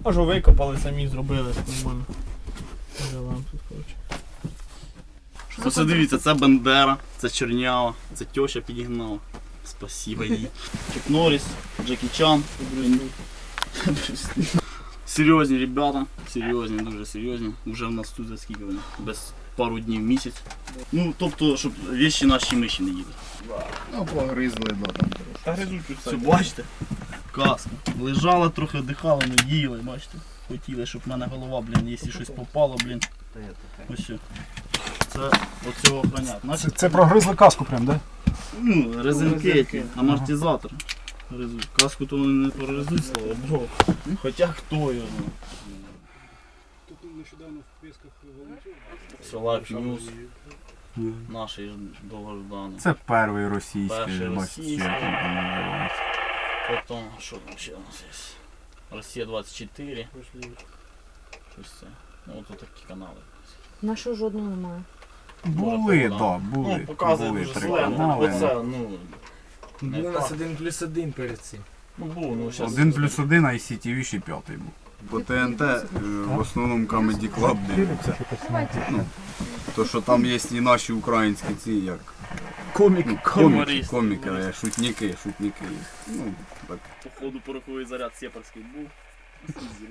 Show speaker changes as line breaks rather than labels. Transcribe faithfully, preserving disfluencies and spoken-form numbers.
Може викопали, самі зробили нормально. Живем тут, коротше.
Оце дивіться, це Бендера, це Чернява, це тьоща підігнала. Спасибо їй. Чак Норріс, Джекі Чан. Серйозні ребята, серйозні, дуже серйозні. Вже в нас тут за скільки вони? Без пару днів місяць. Ну, тобто, щоб вещі наші миші не їли.
Ну, погризли, да, там трошки.
Та гризуть тут
Все, бачите? Каска. Лежала трохи, дихала, не їли, бачите? Хотіли, щоб в мене голова, блін, якщо щось попало, блін. Ось все. Це оцього охранять.
Це,
Значить,
це прогризли каску прям, да?
ну, резинки, ті, амортизатор. Гризуть. Каску то вони не прорезуть, слава Богу. Хоча хто його знає.
Тут нещодавно в Песках волонтер.
Все, Life News. Наші довгождані.
Це перший російський,
Перший
бачите,
російський.
що там називається.
Потім, що там ще у нас є? Росія двадцять чотири. Щось це. Ну, от такі канали.
Нашого жодного немає.
Були,
Може,
так,
да.
да, були.
Ну, показує
були
дуже
три
славно.
канали.
Оце, ну, не
Був у нас
так.
один плюс один перед цим.
Ну, був, ну, зараз.
Один плюс один, а ай сі ті ві ще п'ятий був. По ТНТ е, в основному Comedy Club дивляться. Ну, то, що там є і наші українські ці, як
Комік.
ну, коміки,
Юморист.
коміки, е, шутники, шутники є. Ну, так.
Походу пороховий заряд сепарський був.